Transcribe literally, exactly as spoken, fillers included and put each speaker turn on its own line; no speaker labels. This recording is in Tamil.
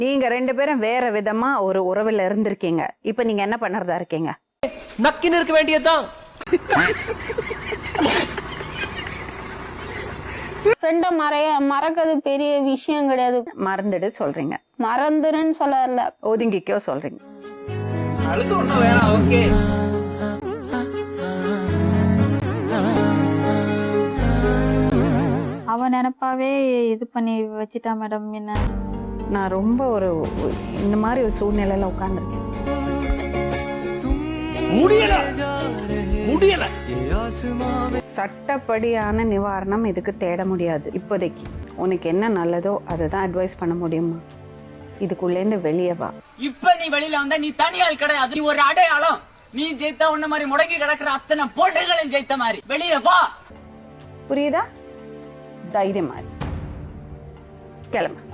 நீங்க ரெண்டு பேரும் வேற விதமா ஒரு உறவுல இருந்திருக்கீங்க. இப்ப நீங்க என்ன பண்றதா இருக்கீங்க?
நக்கின்னு இருக்க வேண்டியதுதான்.
ஃப்ரெண்ட மறைய மறக்கிறது பெரிய விஷயம் கிடையாது.
மறந்துடு சொல்றீங்க.
மறந்துருன்னு சொல்லல,
ஒதுங்கிக்கோ சொல்றீங்க.
அழுது ஒண்ணும் வேணாம். ஓகே.
அவன் நினைப்பாவே இது பண்ணி வச்சிட்டா மேடம். என்ன
நான் ரொம்ப ஒரு இந்த மாதிரி ஒரு சூழ்நிலையில உட்கார்ந்துருக்கேன்.
முடியல முடியல
சட்டப்படியான நிவாரணம் இதுக்கு தேட முடியாது இப்போதைக்கு. உனக்கு என்ன நல்லதோ அதை தான் அட்வைஸ் பண்ண முடியுமா? இதுக்குள்ளேருந்து வெளியே வா.
இப்ப நீ வெளியில வந்தா நீ தனியால் கிடையாது, நீ ஒரு அடையாளம். நீ ஜெயித்தா உன்ன மாதிரி முடங்கி கிடக்குற அத்தனை போட்டிகளும் ஜெயித்த மாதிரி வெளியே வா.
புரியுதா? தைரியமா கிளம்ப.